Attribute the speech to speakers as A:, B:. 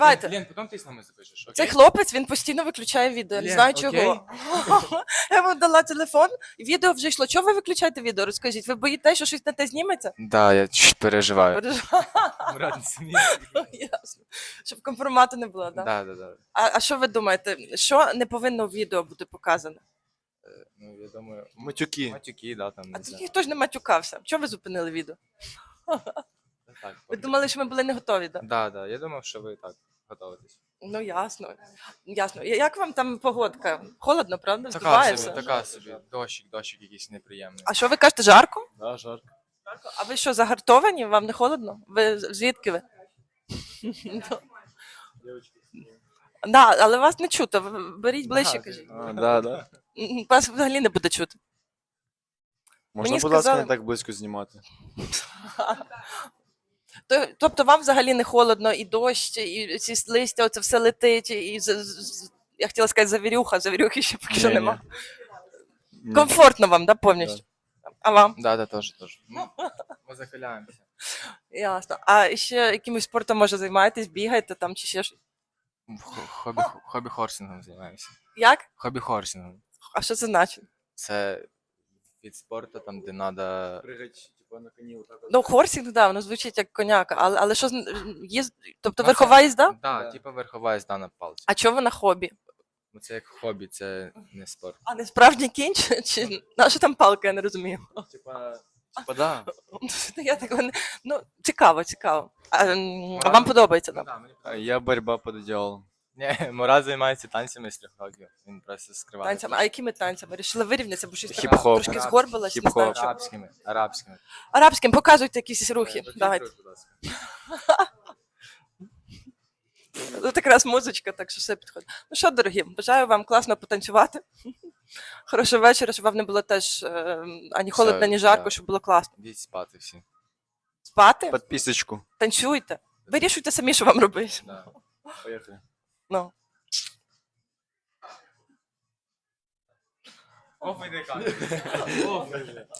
A: Давайте.
B: Лен, потім ти з нами запишеш, окей?
A: Цей хлопець, він постійно виключає відео, я не
B: Лен,
A: знаю
B: окей?
A: чого. Я йому дала телефон, і відео вже йшло. Чого ви виключаєте відео? Розкажіть, ви боїтеся, що щось на те зніметься?
B: Да, я чуть переживаю.
A: Мурат, ясно. Щоб компромату не було, так?
B: Да.
A: А що ви думаєте, що не повинно в відео бути показано?
B: Ну, я думаю,
C: Матюки.
B: матюки, да, там,
A: А
B: не
A: тут
B: знаю.
A: ніхто ж не матюкався. Чого ви зупинили відео?
B: Так,
A: Ви думали, що ми були не готові, так?
B: Да, я думав, що ви так готуєтесь.
A: Ну, ясно. Ясно. Як вам там погодка? Холодно, правда?
B: Така
A: Здувається?
B: собі, така собі. Дощик якийсь неприємний.
A: А що ви кажете, жарко?
C: Да, жарко.
A: А ви що, загартовані? Вам не холодно? Ви звідки ви? Да, але вас не чути. Беріть ближче, кажіть.
C: Да.
A: Вас взагалі не буде чути.
C: Можна,
A: Мені
C: будь ласка,
A: сказали-
C: не так близько знімати.
A: Тобто вам взагалі не холодно, і дощ, і ці листя, оце все летить, і я хотіла сказати завірюхи ще поки що
C: Ні-ні.
A: нема.
C: Ні.
A: Комфортно вам, да, повністю? А вам?
B: Да, теж. Ми захиляємося.
A: Ясно. А ще якимось спортом, може, займаєтесь, бігаєте там чи ще щось?
B: Хобі-хорсингом займаємося.
A: Як?
B: Хобі-хорсингом.
A: А що це значить?
B: Це від спорту, там, де треба...
C: Пригать, типа, на коні отак.
A: Ну, хорсінг, да, воно звучить як коняка, але що тобто
B: Ну,
A: верхова їзда?
B: Да, типу верхова їзда на палці.
A: А чого ви на хобі?
B: Ну, це як хобі, це не спорт.
A: А не справжній кінь? Чи на що там палка, я не розумію.
C: Типа, да.
A: Я такого не... Ну, цікаво. А вам подобається,
B: Ну,
A: так?
B: да, мені
C: Я борьба под одеялом.
B: Ні, Мурат займається танцями з 3 років. Він просто скриває.
A: Танцями. А якими танцями? Рішили вирівнятися, бо щось
C: Хіп-хоп.
A: так трошки згорбилась, не знаю чого.
B: Арабськими.
A: Арабським, показуйте якісь рухи. Давайте. Тут якраз музичка, так що все підходить. Ну що, дорогі, бажаю вам класно потанцювати. Хорошого вечора, щоб вам не було теж ані холодно, ні жарко,
B: да.
A: щоб було класно.
B: Йдіть спати всі.
A: Спати,
C: Подписочку.
A: танцюйте. Вирішуйте самі, що вам робити.
B: Да.
C: Поехали.
A: Ну.
B: Оф, іди,